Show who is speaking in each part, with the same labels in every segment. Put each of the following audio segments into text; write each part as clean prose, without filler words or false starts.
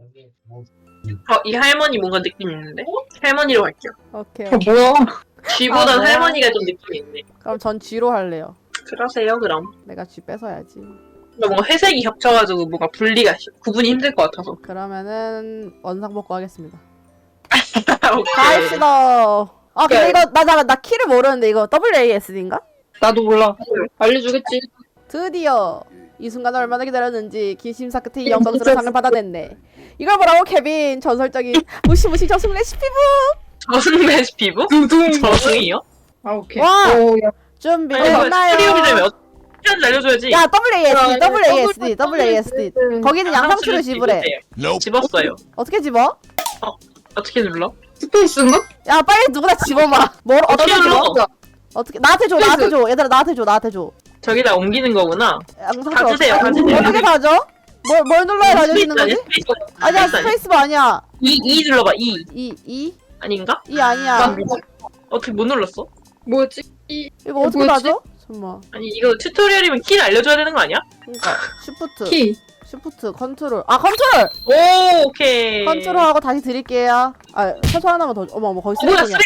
Speaker 1: 이 할머니 뭔가 느낌 있는데? 할머니로 갈게요.
Speaker 2: 오케이.
Speaker 3: 뭐야?
Speaker 1: 쥐보단
Speaker 2: 뭐야?
Speaker 1: 할머니가 좀 느낌이 있네.
Speaker 2: 그럼 전 G로 할래요.
Speaker 1: 그러세요, 그럼.
Speaker 2: 내가 G 뺏어야지.
Speaker 1: 근데 뭔가 회색이 겹쳐가지고 뭔가 분리가, 구분이 힘들 것 같아서.
Speaker 2: 그러면은 원상 복구 하겠습니다.
Speaker 1: 오케이.
Speaker 2: 가입시다. 아 근데 이거 나 키를 모르는데 이거 WASD인가?
Speaker 3: 나도 몰라. 알려주겠지.
Speaker 2: 드디어 이 순간을 얼마나 기다렸는지 기심사 끝에 이 영광스러운 상을 받아냈네. 이걸 보라고 케빈, 전설적인 무시무시 저승 레시피북.
Speaker 1: 저승 레시피부?
Speaker 3: 두둥.
Speaker 1: 저승이요?
Speaker 3: 아 오케이.
Speaker 2: 와!
Speaker 3: 오, 야.
Speaker 2: 준비됐나요?
Speaker 1: 스토리오기 때문에 어떻게 하는지 알려줘야지.
Speaker 2: 야 WASD
Speaker 3: WASD.
Speaker 2: WASD 거기는 양상추를 지불해.
Speaker 1: 집었어요.
Speaker 2: 어떻게 집어?
Speaker 1: 어떻게 눌러?
Speaker 3: 스페이스인가?
Speaker 2: 야 빨리 누구나 집어봐. 뭘
Speaker 1: 어떻게
Speaker 2: 어떻게
Speaker 1: 눌러?
Speaker 2: 집어? 어떻게 나한테 줘, 나한테 줘. 얘들아 나한테 줘.
Speaker 1: 저기다 옮기는 거구나.
Speaker 2: 양상추
Speaker 1: 가주세요,
Speaker 2: 어떻게-
Speaker 1: 가주세요.
Speaker 2: 어떻게 가져? 뭘 눌러야 가져지는 거지?
Speaker 1: 스페이스
Speaker 2: 아니야 스페이스바 아니야.
Speaker 1: 이 눌러봐. 이
Speaker 2: 이
Speaker 1: 아닌가?
Speaker 2: 아니야.
Speaker 1: 어떻게 못 눌렀어?
Speaker 3: 뭐였지?
Speaker 2: 이거 어떻게
Speaker 3: 뭐였지?
Speaker 2: 가져? 잠깐만.
Speaker 1: 아니 이거 튜토리얼이면 키를 알려줘야 되는 거 아니야?
Speaker 2: 그러니까 쉬프트,
Speaker 3: 키.
Speaker 2: 쉬프트, 컨트롤. 아 컨트롤.
Speaker 1: 오 오케이.
Speaker 2: 컨트롤하고 다시 드릴게요. 아 서서 하나만 더. 어머 거기
Speaker 1: 뭐야
Speaker 2: 쓰레기통이야.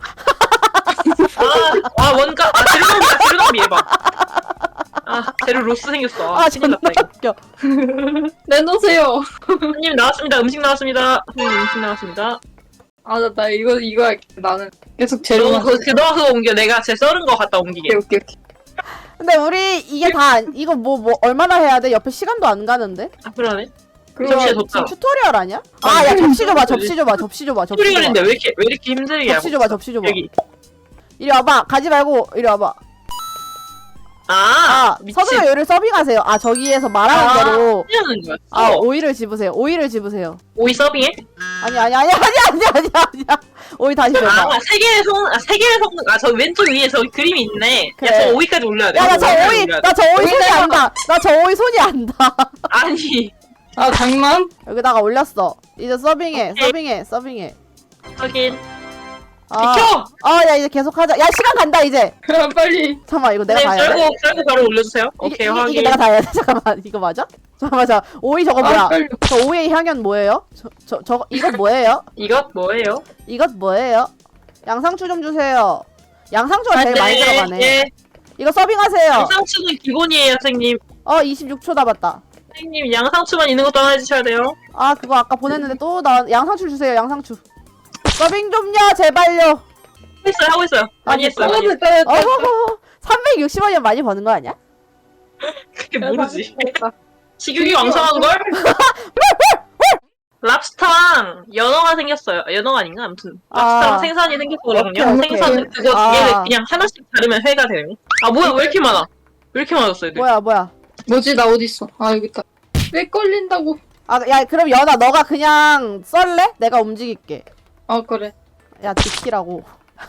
Speaker 1: 쓰레기통. 원가. 재료낭비 해봐. 재료 로스 생겼어.
Speaker 2: 아
Speaker 1: 큰일
Speaker 2: 존나
Speaker 1: 났다 이거.
Speaker 2: 웃겨.
Speaker 3: 내놓으세요.
Speaker 1: 손님 나왔습니다. 음식 나왔습니다. 손님 음식 나왔습니다.
Speaker 3: 아, 나 이거 할게. 나는 계속
Speaker 1: 너
Speaker 3: 재료만.
Speaker 1: 그거 옮겨. 내가 제 썰은 거 갖다 옮기게.
Speaker 3: 오케이.
Speaker 2: 근데 우리 이게 다 이거 뭐 얼마나 해야 돼? 옆에 시간도 안 가는데?
Speaker 1: 그러네.
Speaker 3: 그럼
Speaker 1: 접시에
Speaker 2: 지금
Speaker 1: 뒀다.
Speaker 2: 튜토리얼 아니야?
Speaker 1: 아니,
Speaker 2: 야 접시 줘봐.
Speaker 1: 튜토리얼인데 왜 이렇게 힘들게 하고?
Speaker 2: 접시 줘봐.
Speaker 1: 여기.
Speaker 2: 이리 와봐. 가지 말고 이리 와봐.
Speaker 1: 미친.
Speaker 2: 서둘러 요리를 서빙하세요. 저기에서 말하는 대로
Speaker 1: 하는 거야.
Speaker 2: 오이를 집으세요.
Speaker 1: 오이 서빙해?
Speaker 2: 아니야. 오이 다시 줘봐.
Speaker 1: 세 개의 성, 저 왼쪽 위에 저 그림이 있네.
Speaker 2: 그래.
Speaker 1: 야, 저 오이까지 올려야 돼.
Speaker 2: 야 나 저 오이
Speaker 1: 올려야 돼.
Speaker 2: 나 저 오이 손이 안다. 나 저 오이 손이 안다.
Speaker 1: 아니,
Speaker 3: 아, 장난?
Speaker 2: 여기다가 올렸어. 이제 서빙해.
Speaker 1: 오케이. 확인.
Speaker 2: 아,
Speaker 1: 비켜!
Speaker 2: 야 이제 계속 하자. 야 시간 간다 이제.
Speaker 3: 빨리.
Speaker 2: 잠깐만 이거 내가
Speaker 1: 네,
Speaker 2: 다 해야 돼.
Speaker 1: 썰고 바로 올려주세요. 오케이, 확인.
Speaker 2: 이게 내가 다 해야 돼. 잠깐만 이거 맞아? 잠깐만 오이 저거 뭐야?
Speaker 3: 빨리.
Speaker 2: 저 오이의 향연 뭐예요? 저 이것 뭐예요?
Speaker 1: 이것 뭐예요?
Speaker 2: 이것 뭐예요? 양상추 좀 주세요. 양상추가 제일 많이 들어가네.
Speaker 1: 예.
Speaker 2: 이거 서빙하세요.
Speaker 1: 양상추는 기본이에요, 선생님.
Speaker 2: 26초 남았다.
Speaker 1: 선생님, 양상추만 있는 것도 하나 해주셔야 돼요.
Speaker 2: 그거 아까 보냈는데 또 양상추 주세요. 양상추. 서빙 좀요 제발요.
Speaker 1: 하고 있어요. 많이 했어요. 많이 했어요.
Speaker 3: 됐다.
Speaker 2: 360원이면 많이 버는 거 아니야?
Speaker 1: 그게 모르지. 식욕이 왕성한걸? 랍스타랑 연어가 생겼어요. 연어가 아닌가? 아무튼 랍스타랑 생선이 생겼거든요.
Speaker 2: 오케이.
Speaker 1: 생선 그거 얘를 그냥 하나씩 자르면 회가 되는. 뭐야 왜 이렇게 많아? 왜 이렇게 많았어 애들?
Speaker 2: 뭐야?
Speaker 3: 뭐지? 나 어딨어? 여기 있다. 왜 걸린다고?
Speaker 2: 야 그럼 연아 너가 그냥 썰래? 내가 움직일게.
Speaker 3: 그래.
Speaker 2: 야 지키라고.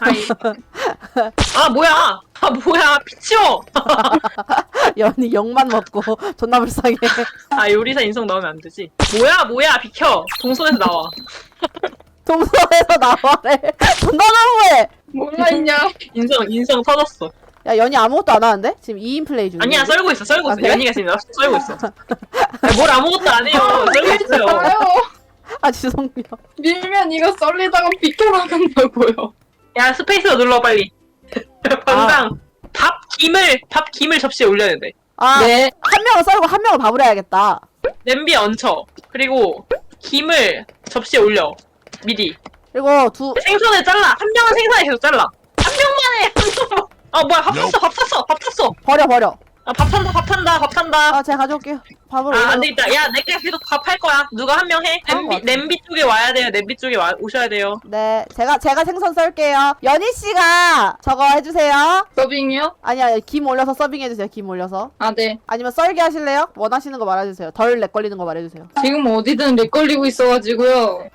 Speaker 1: 뭐야 비치워.
Speaker 2: 연이 욕만 먹고 존나 불쌍해.
Speaker 1: 요리사 인성 나오면 안 되지. 뭐야 비켜. 동선에서 나와.
Speaker 2: 동선에서 나와래. 존나 너무해.
Speaker 3: 뭐가 있냐?
Speaker 1: 인성 터졌어.
Speaker 2: 야 연이 아무것도 안 하는데? 지금 2인 플레이 중이야.
Speaker 1: 아니야 썰고 있어.
Speaker 2: 그래?
Speaker 1: 연이가 지금 썰고 있어. 뭘 아무것도 안 해요. 썰고 있어요.
Speaker 3: 아유,
Speaker 2: 죄송해요.
Speaker 3: 밀면 이거 썰리다가 비켜나간다고요.
Speaker 1: 야 스페이스로 눌러 빨리. 당장 밥 김을 접시에 올려야 돼.
Speaker 3: 네.
Speaker 2: 한 명은 썰고 한 명은 밥을 해야겠다.
Speaker 1: 냄비에 얹혀. 그리고 김을 접시에 올려. 미리.
Speaker 2: 그리고
Speaker 1: 생선을 잘라. 한 명은 생선에 계속 잘라. 한 명만 해. 한 명만. 뭐야 밥 탔어.
Speaker 2: 버려.
Speaker 1: 밥 탄다.
Speaker 2: 제가 가져올게요. 밥을
Speaker 1: 안 되겠다. 야 내가 계속 밥 할 거야. 누가 한 명 해. 냄비 쪽에 와야 돼요. 냄비 쪽에 오셔야 돼요.
Speaker 2: 네, 제가 생선 썰게요. 연희 씨가 저거 해주세요.
Speaker 3: 서빙이요?
Speaker 2: 아니야, 김 올려서 서빙 해주세요. 김 올려서.
Speaker 3: 네.
Speaker 2: 아니면 썰게 하실래요? 원하시는 거 말해주세요. 덜 렉 걸리는 거 말해주세요.
Speaker 3: 지금 어디든 렉 걸리고 있어가지고요.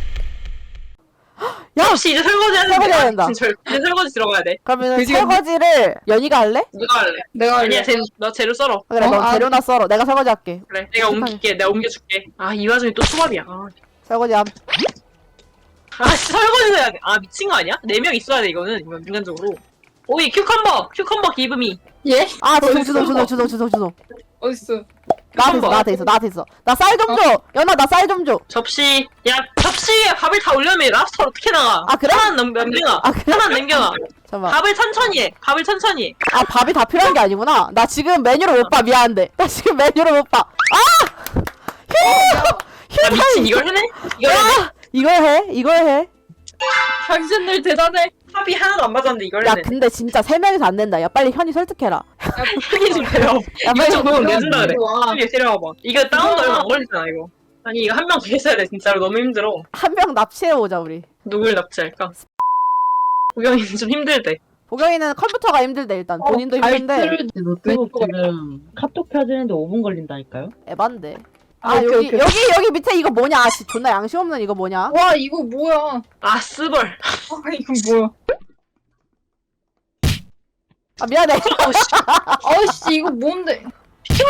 Speaker 1: 야, 혹시 이제 설거지
Speaker 2: 설거지 해야
Speaker 1: 하는데
Speaker 2: 된다.
Speaker 1: 이제 설거지 들어가야 돼.
Speaker 2: 그러면
Speaker 3: 그지?
Speaker 2: 설거지를 연희가 할래?
Speaker 1: 누가 할래?
Speaker 3: 내가
Speaker 1: 아니야,
Speaker 3: 할래.
Speaker 1: 너 재료 썰어.
Speaker 2: 그래, 너
Speaker 3: 아,
Speaker 2: 재료나 썰어. 내가 설거지 할게.
Speaker 1: 그래, 내가 옮길게. 내가 옮겨줄게. 이 와중에 또 초밥이야.
Speaker 2: 설거지 함.
Speaker 1: 설거지 해야 돼. 미친 거 아니야? 4명 있어야 돼, 이건 인간적으로. 오이, 큐컴버 기브미.
Speaker 3: 예?
Speaker 2: 주동.
Speaker 3: 어딨어?
Speaker 2: 나한테 있어. 나 쌀 좀 줘. 연아 나 쌀 좀 줘.
Speaker 1: 접시. 야, 접시에 밥을 다 올려면 랍스터 어떻게 나가?
Speaker 2: 아, 그래?
Speaker 1: 하나 남겨놔.
Speaker 2: 아, 그래?
Speaker 1: 하나 남겨놔.
Speaker 2: 잠깐만.
Speaker 1: 밥을 천천히 해. 밥을 천천히 해.
Speaker 2: 아 밥이 다 필요한 게 아니구나. 나 지금 메뉴를 못 봐. 미안한데. 나 지금 메뉴를 못 봐. 아!
Speaker 1: 야, 미친 이걸 해내? 이걸 해내?
Speaker 2: 야! 이걸 해.
Speaker 3: 당신들 대단해.
Speaker 1: 합이 하나도 안 맞았는데 이걸
Speaker 2: 야
Speaker 1: 해내.
Speaker 2: 근데 진짜 3명이서 안 된다. 야 빨리 현이 설득해라.
Speaker 1: 편히 좀 해요.
Speaker 2: 야
Speaker 1: 이거
Speaker 2: 빨리
Speaker 1: 적으면 내준다 그래.
Speaker 3: 와.
Speaker 1: 빨리 데려와봐. 이거 다운도 얼마 안 걸리잖아 이거. 아니 이거 한 명 더 있어야 돼 진짜로 너무 힘들어.
Speaker 2: 한 명 납치해 오자 우리.
Speaker 1: 누굴 납치할까? 구경이 좀 힘들대.
Speaker 2: 보경이는 컴퓨터가 힘들대 일단. 본인도 힘든데
Speaker 4: 노트북 지금 카톡 켜지는데 5분 걸린다니까요?
Speaker 2: 에반데.
Speaker 3: 아,
Speaker 2: 아
Speaker 3: 오케이,
Speaker 2: 여기
Speaker 3: 오케이.
Speaker 2: 여기 밑에 이거 뭐냐? 아 씨 존나 양심 없는 이거 뭐냐?
Speaker 3: 와 이거 뭐야?
Speaker 1: 아 스벌.
Speaker 3: 아 이거 뭐야?
Speaker 2: 아 미안해.
Speaker 3: 아씨 이거 뭔데?
Speaker 1: 비켜.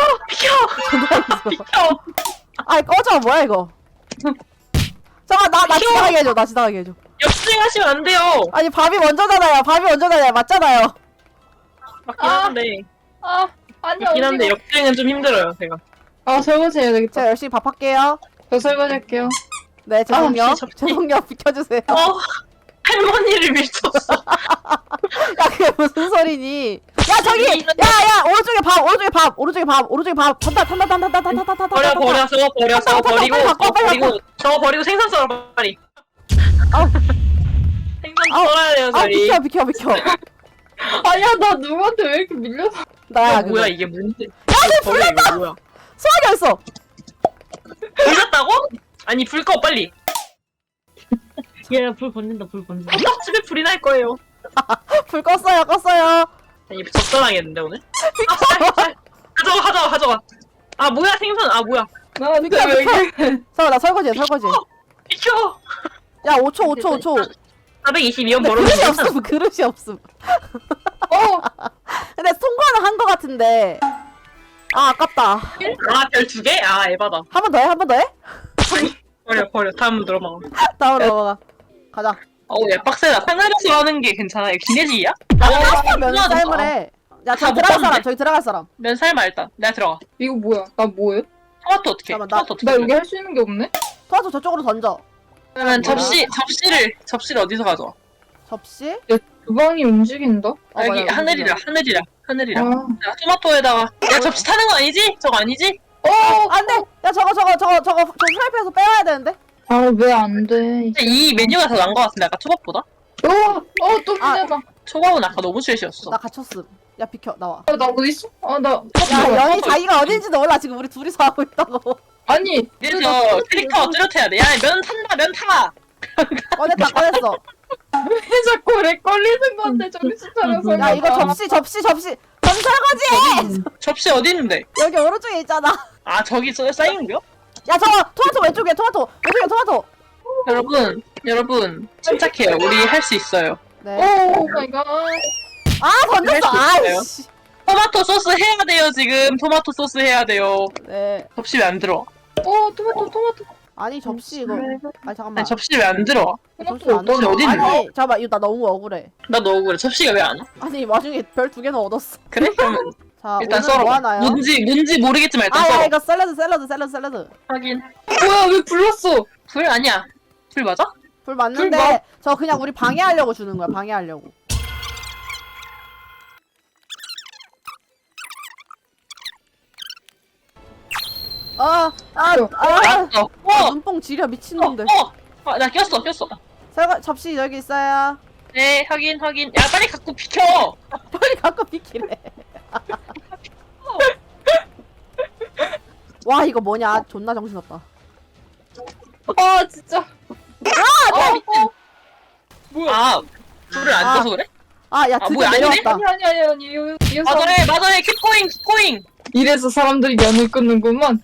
Speaker 2: 아 꺼져 뭐야 이거. 잠깐 나 지나가게 해줘. 나 지나가게 해줘.
Speaker 1: 역주행하시면 안 돼요.
Speaker 2: 아니 밥이 먼저잖아요. 맞잖아요.
Speaker 1: 맞긴 한데.
Speaker 3: 아 아니야
Speaker 1: 맞긴 한데
Speaker 3: 어디가?
Speaker 1: 역주행은 좀 힘들어요 제가.
Speaker 3: 아 설거지 해야 되겠다.
Speaker 2: 제가 열심히 밥 할게요.
Speaker 3: 저 설거지 할게요.
Speaker 2: 네 죄송요.
Speaker 1: 아, 접시.
Speaker 2: 죄송요 비켜주세요.
Speaker 1: 할머니를 밀쳤어.
Speaker 2: 야 그게 무슨 소리니? 야 저기 야야 오른쪽에 밥 탄다
Speaker 1: 버려 저거 버리고
Speaker 2: 빨리
Speaker 1: 저거 버리고 생선 썰어 빨리.
Speaker 2: 아우.
Speaker 1: 생선
Speaker 2: 아우.
Speaker 1: 썰어야 돼요
Speaker 2: 아
Speaker 1: 저희.
Speaker 2: 비켜
Speaker 3: 아니야 나 누구한테 왜 이렇게 밀려서?
Speaker 2: 나야
Speaker 1: 야,
Speaker 2: 그거
Speaker 1: 뭐야 이게 뭔데? 야쟤 불났다. 뭐야?
Speaker 2: 소화기 어딨어?
Speaker 1: 불났다고? 아니 불 꺼 빨리.
Speaker 4: 얘 불 번진다 불 번진다.
Speaker 1: 호떡집에 불이 날 거예요.
Speaker 2: 불 껐어요.
Speaker 1: 아니 적당하겠는데 오늘? 가져가. 아 뭐야 생선 아 뭐야?
Speaker 3: 나한테
Speaker 2: 비켜,
Speaker 3: 왜
Speaker 2: 비켜.
Speaker 3: 이렇게?
Speaker 2: 잠깐 나 설거지해.
Speaker 1: 비켜.
Speaker 2: 야 5초.
Speaker 1: 422원
Speaker 2: 근데
Speaker 1: 벌어서
Speaker 2: 그릇이 없음.
Speaker 3: 어
Speaker 2: 근데 통과는 한 거 같은데. 아 아깝다.
Speaker 1: 아별 2개? 아 에바다.
Speaker 2: 한 번 더 해?
Speaker 1: 버려 다음 들어봐.
Speaker 2: 다음으로 넘어가. 가자.
Speaker 1: 어우 야 빡세다. 하늘에서 하는 게 괜찮아. 이거 기내지야?
Speaker 2: 면 삶을 해. 야 저기
Speaker 1: 다 못
Speaker 2: 들어갈 사람.
Speaker 1: 봤는데?
Speaker 2: 저기 들어갈 사람.
Speaker 1: 면 삶아 일단. 내가 들어가.
Speaker 3: 이거 뭐야? 나 뭐해?
Speaker 1: 토마토 어떻게?
Speaker 2: 잠깐만,
Speaker 1: 토마토 어떻게?
Speaker 3: 나 여기 할 수 있는 게 없네?
Speaker 2: 토마토 저쪽으로 던져.
Speaker 1: 그러면 접시를 어디서 가져와?
Speaker 2: 접시?
Speaker 3: 주방이 움직인다?
Speaker 2: 어,
Speaker 1: 여기
Speaker 2: 맞아,
Speaker 1: 하늘이라.
Speaker 3: 아,
Speaker 1: 야, 토마토에다가 야 접시 타는 거 아니지? 저거 아니지?
Speaker 2: 안돼. 야 저거 프라이팬에서 빼와야 되는데.
Speaker 3: 아 왜 안 돼?
Speaker 1: 근데 이 메뉴가 더 나은 것 같은데 아까 초밥보다?
Speaker 3: 또 밀려나.
Speaker 1: 초밥은 아까 너무 쉐시였어.
Speaker 2: 나 갇혔음. 야 비켜 나와.
Speaker 3: 나 어디 있어? 나
Speaker 2: 야 연이 자기가 어딘지도 몰라. 지금 우리 둘이서 하고 있다고.
Speaker 3: 아니
Speaker 1: 그래서 캐릭터 뚜렷해야 돼. 야 면 탄다 면 타!
Speaker 2: 꺼냈어.
Speaker 3: 왜 자꾸 렉 걸리는 건데 정신 차려서.
Speaker 2: 야 이거 접시 설거지.
Speaker 1: 접시 어디 있는데?
Speaker 2: 여기 오른쪽에 있잖아.
Speaker 1: 아 저기 쌓이는 거요?
Speaker 2: 야 저거 토마토 왼쪽에 토마토.
Speaker 1: 여러분 침착해요. 우리 할 수 있어요.
Speaker 2: 네.
Speaker 3: 오 마이 갓.
Speaker 2: 아 던졌어.
Speaker 1: 할수 있어요.
Speaker 2: 아이씨.
Speaker 1: 토마토 소스 해야 돼요 지금. 토마토 소스 해야 돼요.
Speaker 2: 네.
Speaker 1: 접시 왜 안 들어?
Speaker 3: 토마토.
Speaker 2: 아니 접시 이거. 아 잠깐만.
Speaker 1: 아니 접시 왜 안 들어?
Speaker 2: 접시 안
Speaker 1: 접시
Speaker 2: 넣어.
Speaker 1: 어디 있는데?
Speaker 2: 아니 잠깐만 이거 나 너무 억울해.
Speaker 1: 나 너무 그래. 접시가 왜 안 와?
Speaker 2: 아니 와중에 별 2개는 얻었어.
Speaker 1: 그래? 그러면
Speaker 2: 자
Speaker 1: 일단
Speaker 2: 오늘
Speaker 1: 썰어.
Speaker 2: 뭐 하나요?
Speaker 1: 뭔지 모르겠지만 일단
Speaker 2: 아야
Speaker 1: 썰어.
Speaker 2: 이거 샐러드.
Speaker 1: 하긴.
Speaker 3: 뭐야 왜 불렀어?
Speaker 1: 불 아니야. 불 맞아?
Speaker 2: 불 맞는데
Speaker 3: 불 막-
Speaker 2: 저 그냥 우리 방해하려고 주는 거야. 방해하려고.
Speaker 1: 알았어.
Speaker 2: 눈뽕 지려 미친놈들.
Speaker 1: 나 꼈어.
Speaker 2: 접시 여기 있어요.
Speaker 1: 네, 확인. 야, 빨리 갖고 비켜!
Speaker 2: 빨리 갖고 비키래. 와 이거 뭐냐? 존나 정신없다.
Speaker 3: 아 진짜. 뭐야?
Speaker 1: 아, 불을 안 꺼서 그래?
Speaker 2: 아야
Speaker 1: 아,
Speaker 2: 드디어
Speaker 1: 뭐야, 아니네?
Speaker 2: 내려왔다.
Speaker 3: 아니 이거
Speaker 1: 맞아요, 킵고잉!
Speaker 3: 이래서 사람들이 연을 끊는구만.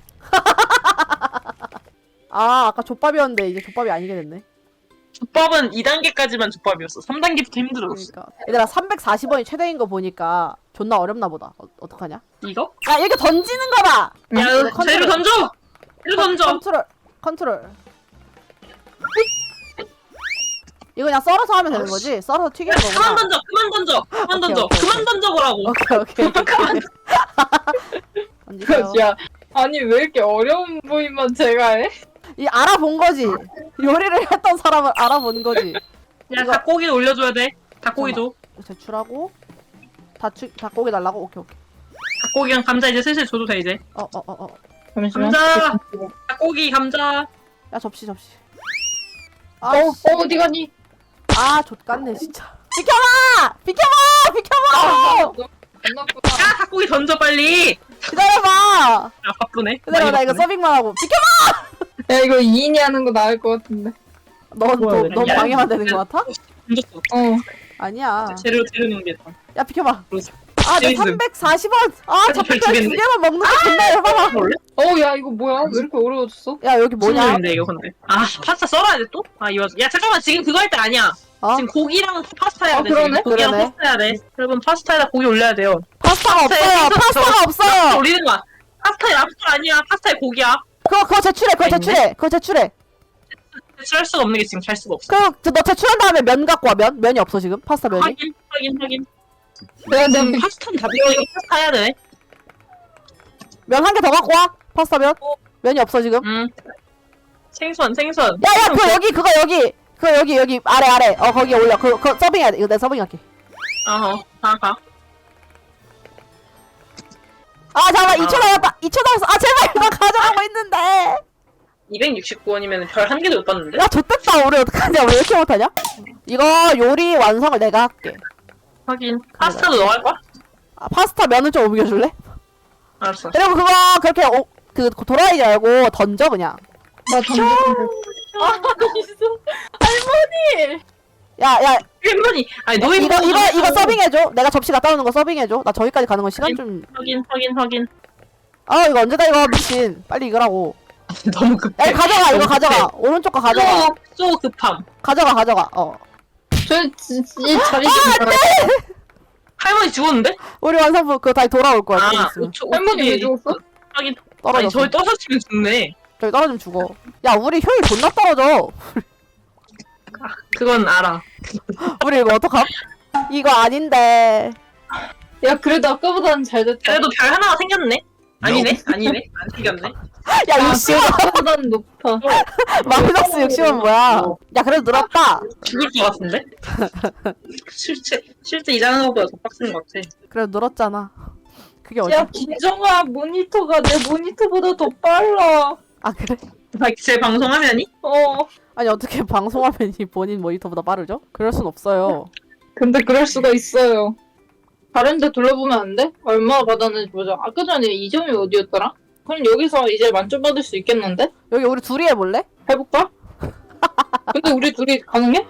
Speaker 2: 아 아까 족밥이었는데 이제 족밥이 아니게 됐네.
Speaker 1: 족밥은 2단계까지만 족밥이었어. 3단계부터 힘들었어.
Speaker 2: 그러니까 얘들아 340원이 최대인 거 보니까 존나 어렵나 보다. 어떡하냐?
Speaker 1: 이거?
Speaker 2: 야 이렇게 던지는 거봐.
Speaker 1: 야,
Speaker 2: 이거
Speaker 1: 재료 던져! 재료 던져!
Speaker 2: 컨트롤. 이거 그냥 썰어서 하면 되는 거지? 썰어서 튀기는
Speaker 1: 야,
Speaker 2: 거구나.
Speaker 1: 그만 던져!
Speaker 2: 오케이.
Speaker 1: 그만 던져보라고!
Speaker 2: 오케이. 던지세요.
Speaker 3: 야 아니 왜 이렇게 어려운 부위만 제가 해?
Speaker 2: 이 알아본 거지. 요리를 했던 사람은 알아본 거지.
Speaker 1: 야 닭고기 올려줘야 돼. 닭고기 줘.
Speaker 2: 제출하고 닭고기 달라고. 오케이.
Speaker 1: 닭고기랑 감자 이제 슬슬 줘도 돼 이제.
Speaker 3: 잠시만.
Speaker 1: 감자. 닭고기 감자.
Speaker 2: 야 접시.
Speaker 3: 어디 가니?
Speaker 2: 아 좆같네 진짜. 비켜봐.
Speaker 3: 안 나쁘다.
Speaker 1: 야 닭고기 던져 빨리.
Speaker 2: 기다려봐.
Speaker 1: 아 바쁘네.
Speaker 2: 기다려봐. 나 이거
Speaker 1: 바쁘네.
Speaker 2: 서빙만 하고. 비켜.
Speaker 3: 야 이거 2인이 하는 거 나을 것 같은데.
Speaker 2: 넌
Speaker 1: 야,
Speaker 2: 방해만 되는 거 같아?
Speaker 1: 던졌어.
Speaker 2: 아니야.
Speaker 1: 재료 넣는겠다.
Speaker 2: 야 비켜봐.
Speaker 1: 그러지.
Speaker 2: 아, 내
Speaker 1: 재밌음.
Speaker 2: 340원. 아, 잡별
Speaker 1: 두
Speaker 2: 두
Speaker 1: 개인데?
Speaker 2: 개만 먹는 거 존나 해봐라.
Speaker 1: 원래?
Speaker 3: 야 이거 뭐야? 왜 이렇게 어려워졌어?
Speaker 2: 야 여기 뭐냐?
Speaker 1: 인데 이거 근데. 아 파스타 썰어야 돼 또? 아 이거. 야 잠깐만 지금 그거 할 때 아니야.
Speaker 2: 어?
Speaker 1: 지금 고기랑 파스타 해야 돼.
Speaker 3: 그러네?
Speaker 1: 지금. 고기랑
Speaker 2: 그러네.
Speaker 1: 파스타 해야 돼. 여러분 파스타에다 고기 올려야 돼요.
Speaker 2: 파스타가 없어요.
Speaker 1: 파스타에
Speaker 2: 파스타가
Speaker 1: 파스타
Speaker 2: 없어요.
Speaker 1: 올리는 거야. 파스타에 랍스터 아니야. 파스타에 고기야.
Speaker 2: 그거 제출해.
Speaker 1: 대출할 수가 없는 게 지금 잘 수가 없어.
Speaker 2: 너 제출한 다음에 면 갖고 와. 면이 없어 지금. 파스타 면이.
Speaker 1: 확인.
Speaker 3: 내가
Speaker 1: 지금 파스타는 다 배워. 이거 파스타 해야 돼.
Speaker 2: 면 한 개 더 갖고 와. 파스타 면. 면이 없어 지금.
Speaker 1: 생선.
Speaker 2: 야야 그거 여기 아래. 거기에 올려. 그거 서빙해야 돼. 이거 내가 서빙할게.
Speaker 1: 가.
Speaker 2: 아 잠깐 2천 나왔다. 2천 나왔어. 아 제발 나 가져가고 있는데.
Speaker 1: 269원이면 별 한 개도 못 받는데?
Speaker 2: 야 좆됐다. 우리 어떡하냐. 왜 이렇게 못하냐? 이거 요리 완성을 내가 할게.
Speaker 1: 확인. 파스타도 너 할 거야?
Speaker 2: 아, 파스타 면을 좀 옮겨줄래?
Speaker 1: 알았어.
Speaker 2: 그리고 그거 그렇게 돌아다니지 말고 던져 그냥.
Speaker 3: 나 던졌는데. 할머니.
Speaker 2: 야
Speaker 1: 할머니. 아니 너희
Speaker 2: 이거 서빙해줘. 내가 접시 갖다 놓는 거 서빙해줘. 나 저기까지 가는 거 시간 좀.
Speaker 1: 확인.
Speaker 2: 아 이거 언제다 이거 미친. 빨리 이거라고.
Speaker 1: 너무 급해.
Speaker 2: 야 이거 가져가. 이거
Speaker 1: 너무
Speaker 2: 가져가. 오른쪽 거 가져가.
Speaker 1: 쏘 급함.
Speaker 2: 가져가.
Speaker 3: 이 자리 좀
Speaker 1: 할머니 죽었는데?
Speaker 2: 우리 완성품 그거 다시 돌아올 거야. 좀 있으면.
Speaker 3: 할머니 왜 죽었어?
Speaker 1: 확인. 아니
Speaker 2: 떨어졌어.
Speaker 1: 저희 떨어지면 죽네.
Speaker 2: 저기 떨어지면 죽어. 야 우리 효율 존나 떨어져.
Speaker 1: 그건 알아.
Speaker 2: 우리 이거 어떡함? 이거 아닌데.
Speaker 3: 야 그래도 아까보다는 잘 됐다.
Speaker 1: 그래도 별 하나가 생겼네? 아니네? 안 생겼네?
Speaker 2: 야 60원.
Speaker 3: 아까보다는 높아.
Speaker 2: 마이너스 60원 뭐야? 야 그래도 늘었다.
Speaker 1: 죽을 것 같은데? 실제 일하는 것보다 더 빡센 것 같아.
Speaker 2: 그래도 늘었잖아. 그게 어디?
Speaker 3: 야 김정아 모니터가 내 모니터보다 더 빨라.
Speaker 2: 아 그래?
Speaker 1: 제 방송화면이?
Speaker 2: 아니 어떻게 방송화면이 본인 모니터보다 빠르죠? 그럴 순 없어요.
Speaker 3: 근데 그럴 수가 있어요. 다른 데 둘러보면 안 돼? 얼마 받았는지 보자. 아까 전에 2점이 어디였더라? 그럼 여기서 이제 만점 받을 수 있겠는데?
Speaker 2: 여기 우리 둘이 해볼래?
Speaker 3: 해볼까? 근데 우리 둘이 가능해?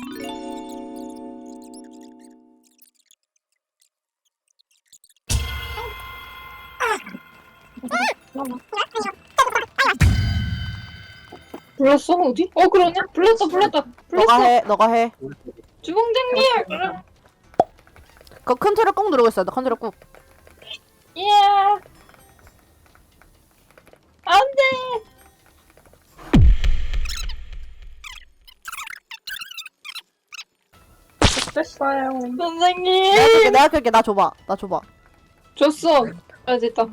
Speaker 3: 불렀어? 어디? 그러네? 불렀다.
Speaker 2: 너가 해.
Speaker 3: 주공장님!
Speaker 2: 그 컨트롤 꾹 누르고 있어야 돼. 컨트롤 꾹.
Speaker 3: 예! 안 돼!
Speaker 1: 됐어요.
Speaker 3: 선생님!
Speaker 2: 내가 끌게. 나 줘봐.
Speaker 3: 줬어. 아, 됐다.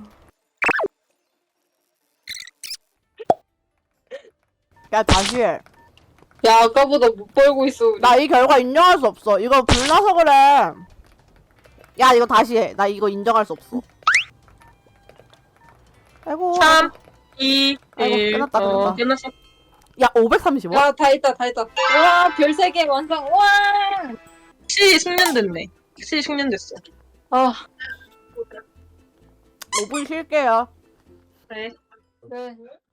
Speaker 2: 야 다시 해.
Speaker 3: 야, 아까보다 못 벌고 있어, 우리.
Speaker 2: 나 이 결과 인정할 수 없어. 이거 불나서 그래. 야 이거 다시 해. 나 이거 인정할 수 없어. 아이고.
Speaker 1: 3, 2,
Speaker 2: 아이고,
Speaker 1: 1.
Speaker 2: 끝났다.
Speaker 1: 끝났어.
Speaker 2: 야 530원?
Speaker 3: 야, 다 했다. 와, 별 3개 완성. 와!
Speaker 1: 확실히 숙련됐네. 확실히 숙련됐어.
Speaker 3: 아,
Speaker 2: 5분 쉴게요.
Speaker 1: 그래.
Speaker 3: 네.